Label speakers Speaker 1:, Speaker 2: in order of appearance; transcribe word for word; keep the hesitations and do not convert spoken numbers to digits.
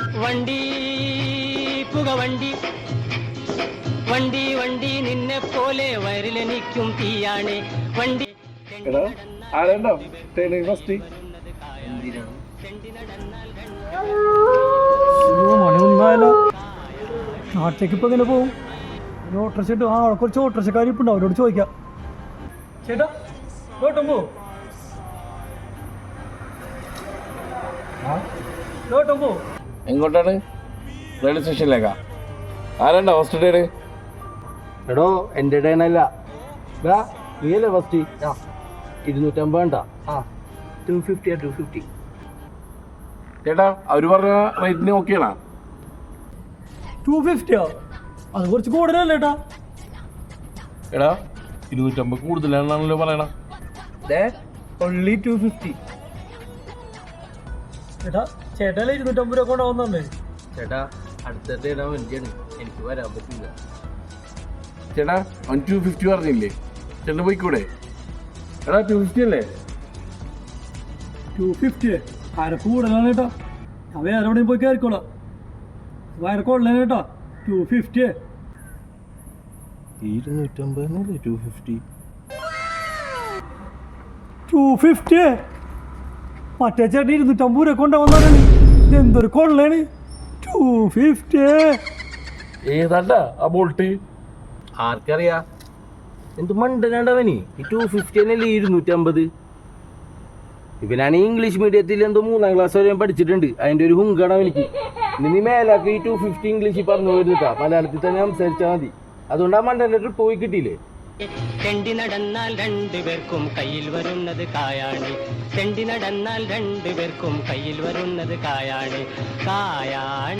Speaker 1: വണ്ടി പുകവണ്ടി വണ്ടി വണ്ടി നിന്നെ പോലെ വയറിലെനിക്കും തീയാണ് വണ്ടി.
Speaker 2: നാട്ടിലേക്ക് ഇപ്പൊ എങ്ങനെ പോവും? ഓട്ടോറിക്ഷ ആ കുറച്ച് ഓട്ടോറിക്ഷക്കാർ ഇപ്പൊ ഉണ്ടാവും, അവരോട് ചോദിക്കാം. ചേട്ടാ ഓട്ടം പോ ഓട്ടം പോ.
Speaker 3: എങ്ങോട്ടാണ്? റെയിൽവേ സ്റ്റേഷനിലേക്കാ? ആരാണ്ടാ ഫസ്റ്റ് ഡേ?
Speaker 4: എടോ എൻ്റെ ഡേനല്ല, നീയല്ലേ ഫസ്റ്റ്? ആ ഇരുന്നൂറ്റമ്പത് വേണ്ട, ആ ടു ഫിഫ്റ്റിയാ ടു ഫിഫ്റ്റി.
Speaker 3: ചേട്ടാ അവർ പറഞ്ഞ റേറ്റിന് ഓക്കെയാണോ?
Speaker 2: ടു ഫിഫ്റ്റിയോ? അത് കുറച്ച് കൂടുതലല്ലേ ഏട്ടാ?
Speaker 3: എടാ ഇരുന്നൂറ്റമ്പത് കൂടുതലാണല്ലോ പറയണ.
Speaker 4: Only two fifty.
Speaker 2: ചേട്ടാ ചേട്ടല്ലേ ഇരുന്നൂറ്റമ്പത് രൂപ കൊണ്ടാവുന്നുണ്ടേ?
Speaker 4: ചേട്ടാ അടുത്ത ഡേടാ വണ്ടിയാണ്, എനിക്ക് വരാൻ പറ്റില്ല.
Speaker 3: ചേട്ടാ വൺ ടു ഫിഫ്റ്റി പറഞ്ഞില്ലേ? ചേട്ടൻ പോയിക്കൂടെ? എടാ ടു ഫിഫ്റ്റി അല്ലേ?
Speaker 2: ടു ഫിഫ്റ്റി ആരെ കൂടുതലാണ് കേട്ടോ. ഞാൻ വേറെ എവിടെയും പോയി കയറിക്കോളാം. വേറെ കൊള്ളാൻ കേട്ടോ. ടു ഫിഫ്റ്റി
Speaker 4: ഇരുന്നൂറ്റമ്പതിനല്ലേ ടു ഫിഫ്റ്റി?
Speaker 2: ടു ഫിഫ്റ്റി മറ്റേ ചേട്ടൻ ഇരുന്നൂറ്റമ്പത് രൂപ കൊണ്ടുവന്നാണ്. ഇതെന്തൊരു കൊള്ളാണ്. ടു ഫിഫ്റ്റി
Speaker 3: ഏതാണ്ടാ ആ ബോൾട്ട്?
Speaker 4: ആർക്കറിയാ, എന്ത് മണ്ടനാണ്ടവന്. ഈ ടു ഫിഫ്റ്റി തന്നെയല്ലേ ഇരുന്നൂറ്റമ്പത്? ഇവനാണ് ഇംഗ്ലീഷ് മീഡിയത്തിൽ എന്തോ മൂന്നാം ക്ലാസ് വരെ പഠിച്ചിട്ടുണ്ട്, അതിൻ്റെ ഒരു ഹുങ്കാണ് എനിക്ക്. ഇനി നീ മേലാക്കി ഈ ടു ഫിഫ്റ്റി ഇംഗ്ലീഷിൽ പറഞ്ഞു വരുന്നിട്ടാ, മലയാളത്തിൽ തന്നെ സംസാരിച്ചാൽ മതി. അതുകൊണ്ട് ആ മണ്ടൻ്റെ ട്രിപ്പ് പോയി കിട്ടിയില്ലേ?
Speaker 1: തെണ്ടി നടന്നാൽ രണ്ടുപേർക്കും കയ്യിൽ വരുന്നത് കായാണ്. തെണ്ടി നടന്നാൽ രണ്ടുപേർക്കും കയ്യിൽ വരുന്നത് കായാണ് കായാണ്.